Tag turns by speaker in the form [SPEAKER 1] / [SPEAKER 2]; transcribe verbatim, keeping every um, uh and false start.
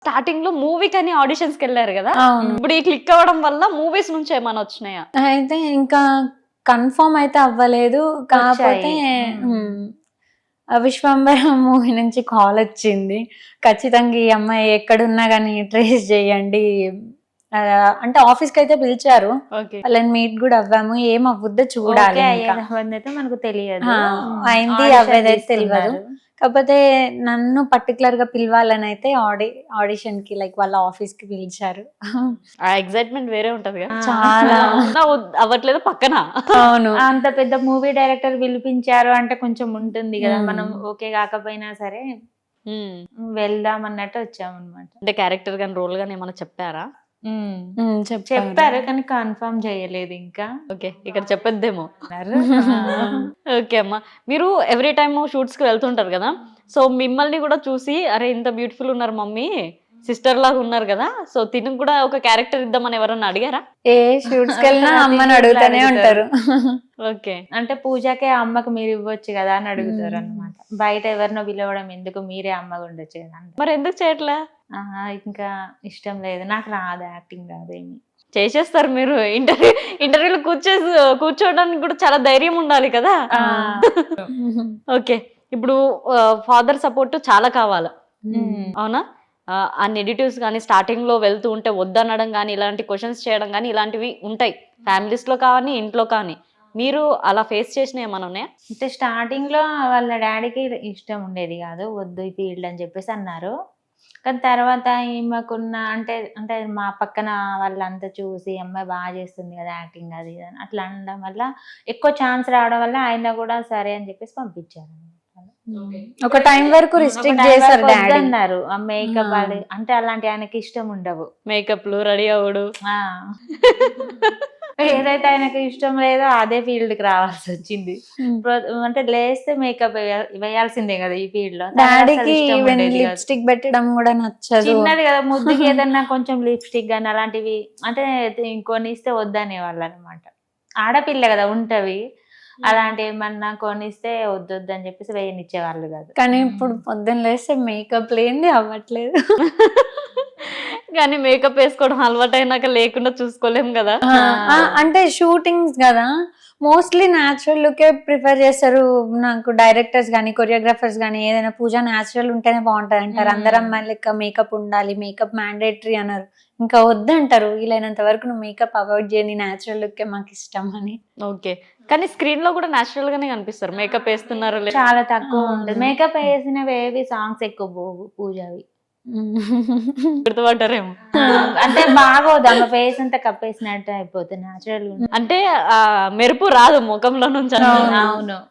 [SPEAKER 1] Starting లో movie కానీ auditions కి వెళ్ళారు కదా,
[SPEAKER 2] అవును.
[SPEAKER 1] ఇప్పుడు ఈ క్లిక్ అవ్వడం వల్ల మూవీస్ నుంచి ఏమైనా వచ్చినాయా?
[SPEAKER 2] అయితే ఇంకా కన్ఫర్మ్ అయితే అవ్వలేదు, కాకపోతే ఉమ్, ఆ విశ్వంబరం మూవీ నుంచి కాల్ వచ్చింది, ఖచ్చితంగా ఈ అమ్మాయి ఎక్కడున్నా కానీ ట్రేస్ చేయండి. ఆ, అంటే ఆఫీస్ కి అయితే పిలిచారు,
[SPEAKER 1] ఓకే
[SPEAKER 2] వాళ్ళని మీట్ కూడా అవ్వాము, ఏం అవ్వద్దో చూడాలి. ఇంకా
[SPEAKER 3] అయితే మనకు తెలియదు,
[SPEAKER 2] ఆ, అయింది అవ్వేదైతే తెలియదు. కాకపోతే నన్ను పర్టికులర్ గా పిలవాలని అయితే ఆడి ఆడిషన్ కి లైక్ వాళ్ళ ఆఫీస్ కి పిలిచారు.
[SPEAKER 1] ఆ ఎక్సైట్మెంట్ వేరే ఉంటది కదా,
[SPEAKER 2] చాలా
[SPEAKER 1] నా వద్- అవ్వట్లేదు పక్కన.
[SPEAKER 2] అవును.
[SPEAKER 3] అంత పెద్ద మూవీ డైరెక్టర్ పిలిపించారు అంటే కొంచెం ఉంటుంది కదా,
[SPEAKER 2] మ్మ్.
[SPEAKER 3] మనం ఓకే కాకపోయినా సరే
[SPEAKER 1] ఉమ్.
[SPEAKER 3] వెళ్దాం అన్నట్టు వచ్చామన్నమాట.
[SPEAKER 1] అంటే క్యారెక్టర్ గాని రోల్ గాని ఏమైనా చెప్పారా?
[SPEAKER 2] ఉమ్, చెప్పారు.
[SPEAKER 3] చెప్పారు కానీ కన్ఫర్మ్ చేయలేదు ఇంకా.
[SPEAKER 1] ఓకే, ఇక్కడ చెప్పొద్దేమో.
[SPEAKER 3] అన్నారు.
[SPEAKER 1] ఓకే అమ్మా, మీరు ఎవ్రీ టైమ్ షూట్స్ కి వెళ్తుంటారు కదా, సో మిమ్మల్ని కూడా చూసి అరే ఇంత బ్యూటిఫుల్ ఉన్నారు మమ్మీ, సిస్టర్ లాగా ఉన్నారు కదా, సో తినకు కూడా ఒక క్యారెక్టర్ ఇద్దామని ఎవరన్నా అడిగారా?
[SPEAKER 2] ఏ షూట్స్ కి వెళ్ళినా అమ్మని అడుగుతానే ఉంటారు.
[SPEAKER 1] ఓకే,
[SPEAKER 3] అంటే పూజకే అమ్మకు మీరు ఇవ్వచ్చు కదా అని అడుగుతారు అన్నమాట. బయట ఎవరినో పిలవడం ఎందుకు, మీరే అమ్మగా ఉండొచ్చు కదా అంటే.
[SPEAKER 1] మరి ఎందుకు చేయట్లే?
[SPEAKER 3] ఆహా, ఇంకా ఇష్టం లేదు, నాకు రాదు, యాక్టింగ్ రాదు ఏమి.
[SPEAKER 1] చేసేస్తారు మీరు. ఇంటర్వ్యూ ఇంటర్వ్యూలో కూర్చో కూర్చోవడానికి కూడా చాలా ధైర్యం ఉండాలి కదా. ఓకే, ఇప్పుడు ఫాదర్ సపోర్ట్ చాలా కావాలి, అవునా? ఆ, ఆ నెగిటివ్స్ కానీ స్టార్టింగ్ లో వెళ్తూ ఉంటే వద్దనడం కానీ ఇలాంటి క్వశ్చన్స్ చేయడం కానీ ఇలాంటివి ఉంటాయి ఫ్యామిలీస్ లో కానీ ఇంట్లో కానీ. మీరు అలా ఫేస్ చేసిన ఏమైనా ఉన్నాయా?
[SPEAKER 3] అంటే స్టార్టింగ్ లో వాళ్ళ డాడీకి ఇష్టం ఉండేది కాదు, వద్దు ఈ ఫీల్డ్ అని చెప్పేసి అన్నారు. కానీ తర్వాత ఈమెకున్న అంటే అంటే మా పక్కన వాళ్ళంతా చూసి అమ్మాయి బాగా చేస్తుంది కదా యాక్టింగ్ అది ఇది అని అట్లా అనడం వల్ల, ఎక్కువ ఛాన్స్ రావడం వల్ల ఆయన కూడా సరే అని చెప్పేసి పంపించారు.
[SPEAKER 2] ఒక టైం వరకు రిస్ట్రిక్ట్ చేశారు డాడీ
[SPEAKER 3] అన్నారు. ఆ మేకప్ అంటే అలాంటి ఆయనకి ఇష్టం ఉండవు,
[SPEAKER 1] మేకప్లు రెడీ అవ్వడు.
[SPEAKER 3] ఆ ఏదైతే ఆయనకి ఇష్టం లేదో అదే ఫీల్డ్ కి రావాల్సి వచ్చింది. అంటే లేస్తే మేకప్ వేయాల్సిందే కదా ఈ ఫీల్డ్ లో.
[SPEAKER 2] డాడీకి ఈవెన్ లిప్స్టిక్ పెట్టడం కూడా నచ్చదు.
[SPEAKER 3] చిన్నది కదా, ముద్దుకి ఏదన్నా కొంచెం లిప్స్టిక్ కానీ అలాంటివి అంటే కొనిస్తే వద్దనే వాళ్ళు అనమాట. ఆడపిల్ల కదా ఉంటవి, అలాంటి ఏమన్నా కొనిస్తే వద్దొద్దు అని చెప్పేసి వేయనిచ్చేవాళ్ళు కాదు.
[SPEAKER 2] కానీ ఇప్పుడు పొద్దున్న లేస్తే మేకప్ లేనిది అవ్వట్లేదు.
[SPEAKER 1] కానీ మేకప్ వేసుకోవడం అలవాటు అయినాక లేకుండా చూసుకోలేం కదా.
[SPEAKER 2] ఆ, అంటే షూటింగ్స్ కదా, మోస్ట్లీ న్యాచురల్ లుకే ప్రిఫర్ చేస్తారు. నాకు డైరెక్టర్స్ కానీ కొరియోగ్రాఫర్స్ కానీ ఏదైనా పూజ న్యాచురల్ ఉంటేనే బాగుంటది అంటారు. అందరు అమ్మాయిలు లెక్క మేకప్ ఉండాలి, మేకప్ మ్యాండేటరీ అన్నారు. ఇంకా వద్దంటారు, వీలైనంత వరకు నువ్వు మేకప్ అవాయిడ్ చేయని, న్యాచురల్ లుక్ మాకు ఇష్టం అని.
[SPEAKER 1] ఓకే, కానీ స్క్రీన్ లో కూడా న్యాచురల్ గానే కనిపిస్తారు. మేకప్ వేస్తున్నారు
[SPEAKER 3] చాలా తక్కువ ఉంటుంది. మేకప్ వేసినవి ఏవి సాంగ్స్ ఎక్కువ పోవు పూజవి,
[SPEAKER 1] గుర్తుపడ్డారేమో.
[SPEAKER 3] అంటే బాగోదు, ఆమె ఫేస్ అంతా కప్పేసినట్టు అయిపోతుంది. న్యాచురల్
[SPEAKER 1] అంటే ఆ మెరుపు రాదు ముఖంలో నుంచి.
[SPEAKER 3] అవును,